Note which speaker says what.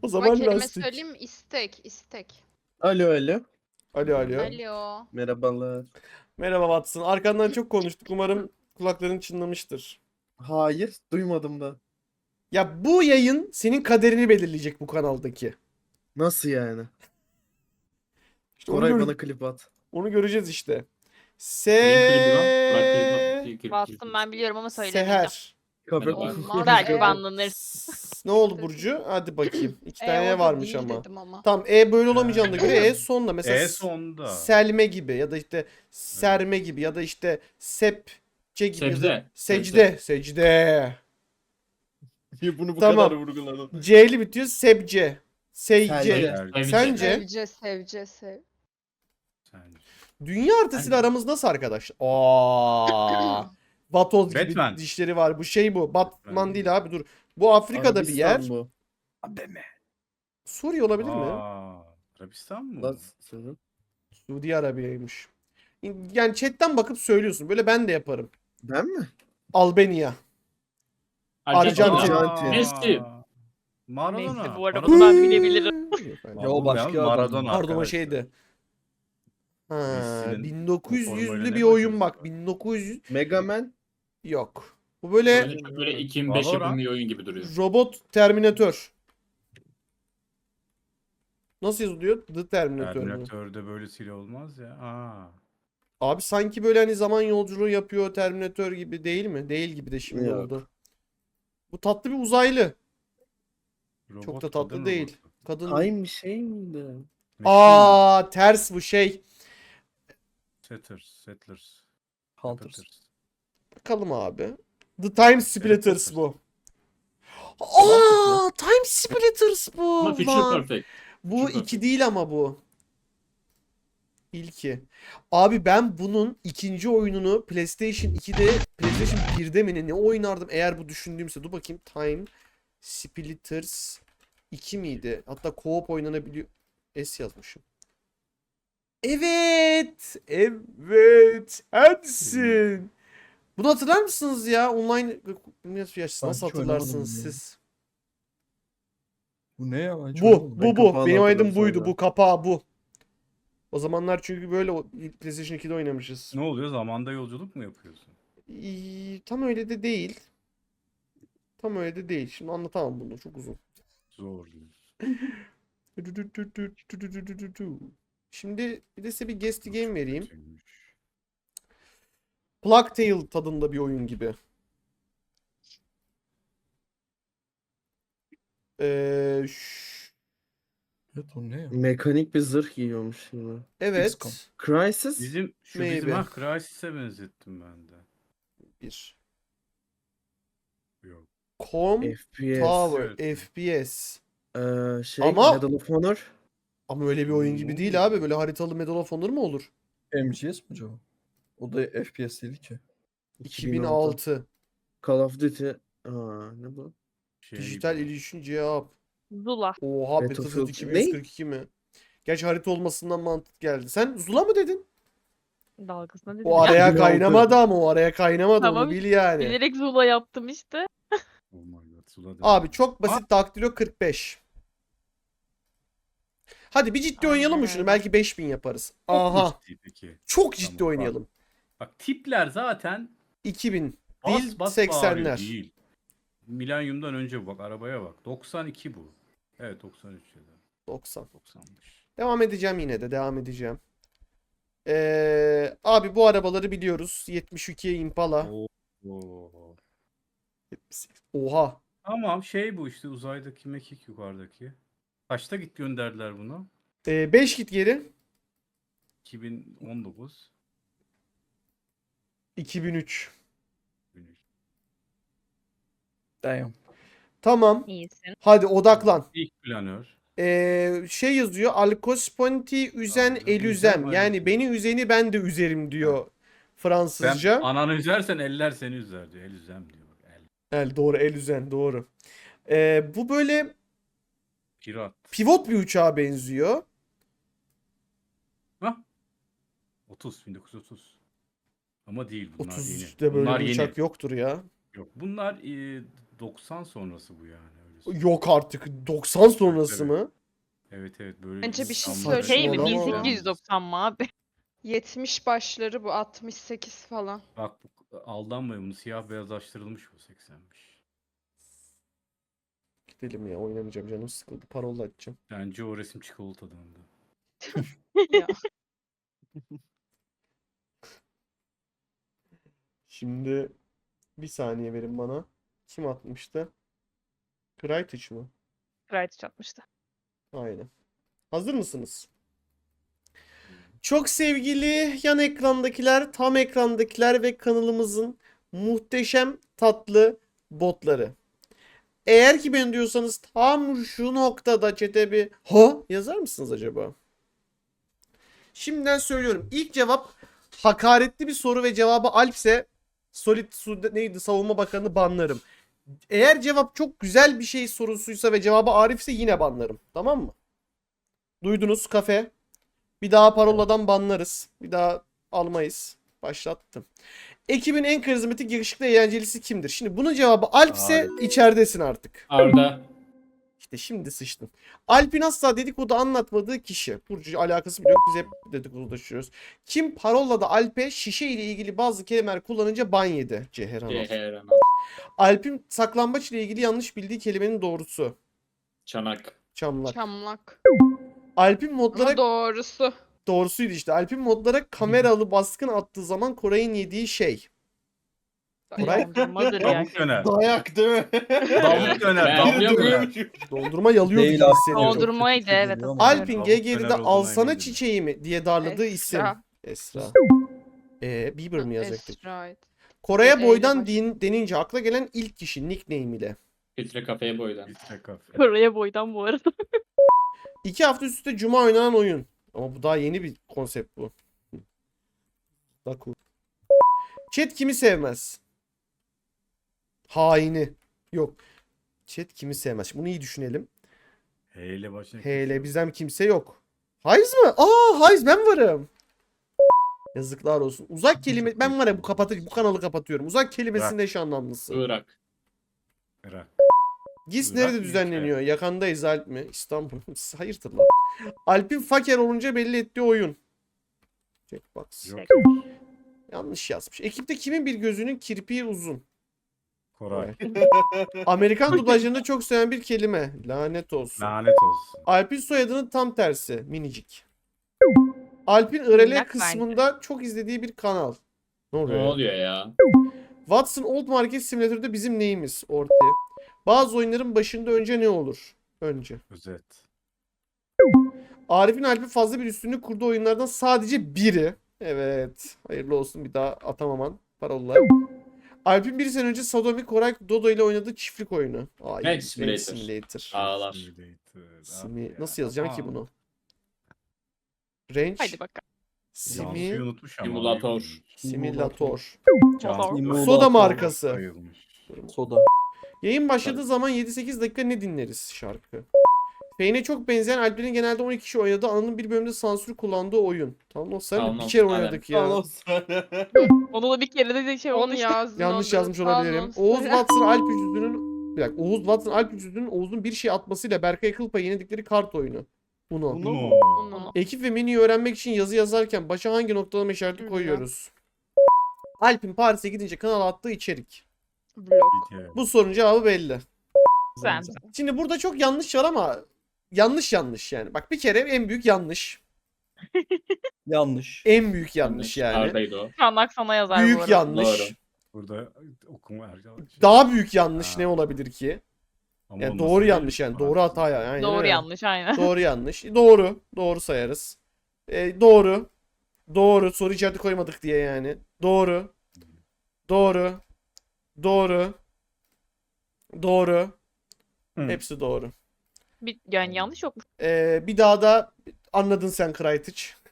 Speaker 1: O
Speaker 2: Ama
Speaker 1: zaman
Speaker 2: kelime
Speaker 1: lastik.
Speaker 2: söyleyeyim mi? İstek.
Speaker 3: Alo alo.
Speaker 1: Alo alo.
Speaker 2: Alo.
Speaker 3: Merhabalar.
Speaker 1: Merhaba Watson. Arkandan çok konuştuk. Umarım kulakların çınlamıştır.
Speaker 3: Hayır, duymadım da.
Speaker 1: Ya bu yayın senin kaderini belirleyecek bu kanaldaki.
Speaker 3: Nasıl yani?
Speaker 1: İşte onu,
Speaker 3: Koray bana klip at.
Speaker 1: onu göreceğiz işte.
Speaker 4: Neyin klibi lan? Bırak klibi.
Speaker 5: Bastım ben biliyorum ama söylemeyeceğim.
Speaker 1: Seher.
Speaker 3: Kafe
Speaker 2: Olmaz.
Speaker 5: Belki
Speaker 2: Evet.
Speaker 5: banlanırız.
Speaker 1: Ne oldu Burcu? Hadi bakayım. İki tane
Speaker 2: o da
Speaker 1: varmış
Speaker 2: değil
Speaker 1: ama.
Speaker 2: dedim ama.
Speaker 1: Tamam böyle olamayacağına göre sonda. Mesela
Speaker 6: sonda.
Speaker 1: selme gibi ya da işte serme gibi ya da işte sepçe gibi. Ya da
Speaker 4: Secde.
Speaker 1: Secde.
Speaker 3: Niye bunu bu
Speaker 1: Tamam.
Speaker 3: kadar vurguladın?
Speaker 1: C'li bitiyor. Sebce. Seyce.
Speaker 3: Sence.
Speaker 1: Sence?
Speaker 2: Sevce.
Speaker 1: Dünya haritasıyla aramız nasıl arkadaşlar? Aa. Vatoz gibi
Speaker 6: Batman.
Speaker 1: dişleri var. Bu şey bu. Batman değil abi dur. Bu Afrika'da bir yer.
Speaker 3: Arabistan bu.
Speaker 1: Suriye olabilir mi?
Speaker 6: Arabistan mı?
Speaker 3: Lan senin.
Speaker 1: Suudi Arabiya'ymış. Yani chatten bakıp söylüyorsun. Böyle ben de yaparım.
Speaker 3: Ben mi?
Speaker 1: Albanya.
Speaker 4: Arjantin.
Speaker 1: Arjantin.
Speaker 4: Messi.
Speaker 6: Maradona.
Speaker 5: Neyse, bu arada bunu ben bilebilirim.
Speaker 1: Yok,
Speaker 3: o başka adam.
Speaker 6: Maradona.
Speaker 1: pardon o
Speaker 6: arkadaşlar.
Speaker 1: şeydi. Ha,
Speaker 6: Messi'nin o
Speaker 1: 1900'lü
Speaker 6: formayla
Speaker 1: bir
Speaker 6: ne
Speaker 1: oyun
Speaker 6: bakıyorsun?
Speaker 1: bak. 1900
Speaker 3: Mega Man.
Speaker 1: yok. Bu böyle
Speaker 4: Böyle 2005
Speaker 6: Valorant.
Speaker 4: yapımı bir oyun gibi duruyor.
Speaker 1: robot Terminator. Nasıl yazılıyor? The Terminator mu?
Speaker 6: Terminator'da böyle silah olmaz ya.
Speaker 1: Abi sanki böyle hani zaman yolculuğu yapıyor Terminator gibi değil mi? Değil gibi de şimdi
Speaker 3: Yok.
Speaker 1: oldu. Bu tatlı bir uzaylı.
Speaker 6: Robot,
Speaker 1: Çok da tatlı
Speaker 6: kadın
Speaker 1: değil.
Speaker 6: robotu.
Speaker 1: Kadın.
Speaker 3: Time bir şey miydi?
Speaker 6: Machine.
Speaker 1: Aa ters bu şey.
Speaker 6: Settlers.
Speaker 3: Hunters.
Speaker 1: Bakalım abi. The Time Splitters
Speaker 6: Potter.
Speaker 1: bu. Aa Time Splitters bu.
Speaker 4: Ama Future
Speaker 1: Lan.
Speaker 4: Perfect.
Speaker 1: Bu
Speaker 4: Future
Speaker 1: 2
Speaker 4: Perfect.
Speaker 1: değil ama bu. İlki. Abi ben bunun ikinci oyununu PlayStation 2'de, PlayStation 1'de mi ne oynardım eğer bu düşündüğümse. Dur bakayım. Time Splitters 2 miydi? Hatta co-op oynanabiliyor. S yazmışım. Evet. Evet. Ensin. Bunu hatırlar mısınız ya? Online nasıl
Speaker 7: hiç
Speaker 1: hatırlarsınız
Speaker 7: oynamadım ya.
Speaker 1: siz?
Speaker 7: Bu ne ya? Hiç
Speaker 1: Bu,
Speaker 7: oynamadım.
Speaker 1: bu.
Speaker 3: kapağını
Speaker 1: Benim oynadığım
Speaker 3: hatırlıyorum
Speaker 1: buydu.
Speaker 3: sadece.
Speaker 1: Bu kapağı bu. O zamanlar çünkü böyle PlayStation 2'de oynamışız.
Speaker 6: Ne oluyor? Zamanda yolculuk mu yapıyorsun?
Speaker 1: Tam öyle de değil. Tam öyle de değil. Şimdi anlatamam bunu. Çok uzun.
Speaker 6: Zor.
Speaker 1: Şimdi bir de size bir guest game vereyim.
Speaker 6: Kötüymüş.
Speaker 1: Plague Tale tadında bir oyun gibi.
Speaker 7: Evet o ne ya?
Speaker 3: Mekanik bir zırh giyiyormuş yine.
Speaker 1: Evet.
Speaker 7: XCOM.
Speaker 3: Crisis.
Speaker 6: Bizim
Speaker 1: Maybe.
Speaker 6: Crysis'e benzettim ben de.
Speaker 1: Bir.
Speaker 6: Yok.
Speaker 1: Com Tower
Speaker 6: Evet.
Speaker 1: FPS.
Speaker 3: Şey
Speaker 1: Ama-
Speaker 3: Medal of Honor.
Speaker 1: Ama öyle bir oyun gibi değil abi. Böyle haritalı Medal of Honor mu olur?
Speaker 7: MGS mi acaba? O da FPS değil ki.
Speaker 1: 2006.
Speaker 3: Call of Duty. Ne bu?
Speaker 1: Dijital
Speaker 6: bu.
Speaker 1: Illusion cevap.
Speaker 5: Zula.
Speaker 1: Oha
Speaker 3: Battlefield
Speaker 1: Battlefield 2142 mi? Gerçi harita olmasından mantık geldi. Sen Zula mı dedin?
Speaker 5: Dalgasına dedim.
Speaker 1: O araya
Speaker 3: 2006.
Speaker 1: kaynamadı ama o araya kaynamadı
Speaker 5: Tamam,
Speaker 1: onu bil yani.
Speaker 5: Bilerek Zula yaptım işte.
Speaker 6: Oh my god. Sula dedim.
Speaker 1: Abi çok basit Daktilo 45. Hadi bir ciddi oynayalım mı şunu?
Speaker 5: Aynen.
Speaker 1: Belki 5000 yaparız.
Speaker 6: Çok mu
Speaker 1: Aha.
Speaker 6: ciddi peki?
Speaker 1: Çok ciddi
Speaker 6: Tamam,
Speaker 1: oynayalım.
Speaker 6: Bak tipler zaten
Speaker 1: 2000
Speaker 6: bas
Speaker 1: değil
Speaker 6: bas bağırıyor
Speaker 1: 80'ler.
Speaker 6: değil. Milenyumdan önce bu bak arabaya bak. 92 bu. Evet 93 ya da
Speaker 1: 90.
Speaker 6: 90'mış.
Speaker 1: Devam edeceğim yine de devam edeceğim. Abi bu arabaları biliyoruz. 72 Impala.
Speaker 6: Oo.
Speaker 1: 78. Oha.
Speaker 6: Tamam şey bu işte uzaydaki mekik yukarıdaki. Kaçta git gönderdiler bunu?
Speaker 1: 5 git geri.
Speaker 6: 2019.
Speaker 1: 2003.
Speaker 7: Damn.
Speaker 1: Tamam.
Speaker 5: İyisin.
Speaker 1: Hadi odaklan.
Speaker 6: İlk planör.
Speaker 1: Şey yazıyor. Alkosponti üzen
Speaker 6: Aynen,
Speaker 1: elüzem.
Speaker 6: üzem,
Speaker 1: Yani
Speaker 6: aynen.
Speaker 1: beni üzeni ben de üzerim diyor
Speaker 6: Sen
Speaker 1: Fransızca.
Speaker 6: ananı üzersen eller seni üzer diyor. El üzem diyor. El.
Speaker 1: Doğru el üzen doğru. Bu böyle
Speaker 6: Pirat.
Speaker 1: pivot bir uçağa benziyor.
Speaker 6: Hah. 1930. Ama değil bunlar yeni.
Speaker 1: 33'te böyle
Speaker 6: Bunlar
Speaker 1: bir
Speaker 6: yeni.
Speaker 1: uçak yoktur ya.
Speaker 6: Yok bunlar 90 sonrası bu yani öyle
Speaker 1: Yok artık. 90 sonrası
Speaker 6: Evet.
Speaker 1: mı?
Speaker 6: Evet evet böyle.
Speaker 2: Bence bir şey
Speaker 6: İstanbul'da
Speaker 2: söyleyeyim
Speaker 5: Şey mi?
Speaker 1: Saçmalama.
Speaker 5: 1890 mı abi?
Speaker 2: 70 başları bu 68 falan.
Speaker 6: Bak aldanmayın, bunu siyah beyazlaştırılmış bu 80'miş.
Speaker 1: Gidelim ya, oynamayacağım, canım sıkıldı. Parola açacağım.
Speaker 6: Bence o resim çikolatadandı.
Speaker 2: Ya.
Speaker 1: Şimdi bir saniye verin bana. Kim atmıştı? Kraytiç mı?
Speaker 5: Gayet çatmıştı.
Speaker 1: Aynen. Hazır mısınız? Çok sevgili yan ekrandakiler, tam ekrandakiler ve kanalımızın muhteşem tatlı botları. Eğer ki ben diyorsanız tam şu noktada chat'e bir ha yazar mısınız acaba? Şimdiden söylüyorum. İlk cevap hakaretli bir soru ve cevabı Alpse neydi, Savunma Bakanı banlarım. Eğer cevap çok güzel bir şey sorusuysa ve cevabı Arif'se yine banlarım. Tamam mı? Duydunuz, kafe. Bir daha paroladan banlarız. Bir daha almayız. Başlattım. Ekibin en karizmatik, yakışıklı, eğlencelisi kimdir? Şimdi bunun cevabı Alp'se içeridesin artık.
Speaker 4: Arda.
Speaker 1: İşte şimdi sıçtın. Alp'in asla dedikodu anlatmadığı kişi. Burcu alakası bile yok. Biz hep dedikodulaşıyoruz. Kim parolada Alp'e şişe ile ilgili bazı kelimeler kullanınca ban yedi? Ceheren.
Speaker 4: Ceyhan.
Speaker 1: Alp'in saklambaç ile ilgili yanlış bildiği kelimenin doğrusu.
Speaker 4: Çanak.
Speaker 1: Çamlak.
Speaker 2: Çamlak.
Speaker 1: Alp'in
Speaker 2: Ama
Speaker 1: modlara
Speaker 2: doğrusu.
Speaker 1: doğrusuydu işte. Alp'in modlara kameralı baskın attığı zaman Koray'ın yediği şey. Koray
Speaker 5: Dondurmadır ya.
Speaker 6: Tavuk döner.
Speaker 7: Dayak değil mi?
Speaker 6: Tavuk döner.
Speaker 4: Ben
Speaker 6: Tavuk
Speaker 4: yapıyorum.
Speaker 6: döner.
Speaker 1: dondurma yalıyordu
Speaker 7: Değil
Speaker 1: gibi
Speaker 7: aslında.
Speaker 1: hissediyorum.
Speaker 5: Dondurmaydı evet.
Speaker 7: Geliyor ama.
Speaker 1: Alp'in
Speaker 6: Tavuk
Speaker 1: GG'de
Speaker 6: döner
Speaker 1: de
Speaker 6: olduğuna
Speaker 1: alsana
Speaker 6: eminim.
Speaker 1: çiçeğimi diye darladığı isim.
Speaker 2: Esra.
Speaker 1: Esra. Bieber mı yazacaktık?
Speaker 2: Esra.
Speaker 1: Koray'a
Speaker 2: E'yle
Speaker 1: boydan
Speaker 2: başlıyor.
Speaker 1: denince akla gelen ilk kişi nickname ile.
Speaker 4: Filtre kafeye boydan.
Speaker 6: Filtre kafe.
Speaker 5: Kore'ye boydan bu arada.
Speaker 1: 2 hafta üst üste Cuma oynanan oyun. Ama bu daha yeni bir konsept bu. Daku. Chat kimi sevmez? Haini. Yok. Chat kimi sevmez? Şimdi bunu iyi düşünelim.
Speaker 6: H ile başına.
Speaker 1: Hele bizden kimse yok. Hayz mı? Hayz, ben varım. Yazıklar olsun. Uzak kelime, ben var ya bu kanalı kapatıyorum. Uzak kelimesinin eş anlamlısı.
Speaker 4: Irak.
Speaker 6: Irak.
Speaker 1: GİS
Speaker 6: Irak
Speaker 1: nerede
Speaker 6: mı
Speaker 1: düzenleniyor? Yakandayız Alp mi? İstanbul. Hayırdır lan? Alp'in faker olunca belli ettiği oyun. Jackbox.
Speaker 6: Yok.
Speaker 1: Yanlış yazmış. Ekipte kimin bir gözünün kirpiği uzun?
Speaker 6: Koray.
Speaker 1: Amerikan dublajlarında çok seven bir kelime. Lanet olsun.
Speaker 6: Lanet olsun.
Speaker 1: Alp'in soyadının tam tersi. Minicik. Alp'in IRL
Speaker 5: Minnak
Speaker 1: kısmında çok izlediği bir kanal. Ne
Speaker 4: Ne
Speaker 1: oluyor? ya?
Speaker 4: oluyor ya?
Speaker 1: Watson Old Market Simulator'da bizim neyimiz? Orti. Bazı oyunların başında önce ne olur? Önce.
Speaker 6: Özet.
Speaker 1: Arif'in Alp'in fazla bir üstünlük kurduğu oyunlardan sadece biri. Evet. Hayırlı olsun, bir daha atamaman. Parola. Alp'in bir sene önce Sadomi Koray Dodo ile oynadığı çiftlik oyunu.
Speaker 4: Ranch
Speaker 1: Ranch
Speaker 4: Simulator.
Speaker 1: Simulator.
Speaker 4: Ağlar.
Speaker 1: Simi... Nasıl yazacağım ki bunu? Ranch
Speaker 5: Haydi bakalım.
Speaker 6: Yanlışıyı unutmuş ama.
Speaker 4: Simulator.
Speaker 1: Simulator.
Speaker 5: Simulator.
Speaker 1: Soda markası.
Speaker 6: Bayılmış.
Speaker 7: Soda.
Speaker 1: Yayın başladığı zaman 7-8 dakika ne dinleriz şarkı? Fane'e çok benzeyen Alp'lerin genelde 12 kişi oynadığı, Anıl'ın bir bölümde sansür kullandığı oyun. Tamam, sen de bir
Speaker 4: Anons,
Speaker 1: kere
Speaker 4: aynen.
Speaker 1: oynadık ya.
Speaker 5: Onu da bir kere de şey
Speaker 2: Onu
Speaker 5: olmuş.
Speaker 2: yazdın.
Speaker 1: Yanlış
Speaker 2: orada.
Speaker 1: yazmış olabilirim.
Speaker 2: Anons.
Speaker 1: Oğuz Watson Alp Ücüdü'nün bir dakika, Oğuz Watson Alp Ücüdü'nün Oğuz'un bir şey atmasıyla Berkay Kılpa'yı yenildikleri kart oyunu. Uno.
Speaker 2: Onu.
Speaker 1: Ekip ve menüyü öğrenmek için yazı yazarken başa hangi noktalama işareti
Speaker 2: Bilmem.
Speaker 1: koyuyoruz? Alp'in Paris'e gidince kanala attığı içerik.
Speaker 2: Blok.
Speaker 1: Bu sorunun cevabı belli.
Speaker 5: Sen.
Speaker 1: Şimdi burada çok yanlış var ama yanlış yani. Bak, bir kere en büyük yanlış.
Speaker 7: Yanlış.
Speaker 1: En büyük yanlış yani.
Speaker 4: Arda'ydı o.
Speaker 5: Kandak sana yazar bu
Speaker 1: Büyük
Speaker 5: arada.
Speaker 1: yanlış.
Speaker 4: Doğru.
Speaker 6: Burada okuma arkadaş.
Speaker 1: Daha büyük yanlış
Speaker 6: Ha.
Speaker 1: ne olabilir ki?
Speaker 6: Ama
Speaker 1: Yani
Speaker 6: olması
Speaker 1: doğru
Speaker 6: değil.
Speaker 1: yanlış yani. Doğru hata yani. Aynen
Speaker 5: Doğru
Speaker 1: öyle.
Speaker 5: yanlış aynen.
Speaker 1: Doğru yanlış. Doğru. Doğru sayarız. Doğru. Doğru. Soru işareti koymadık diye yani. Doğru. Doğru. Doğru. Doğru.
Speaker 6: Hı.
Speaker 1: Hepsi doğru.
Speaker 5: Yani yanlış yok mu?
Speaker 1: Bir daha da anladın sen Kraytiç.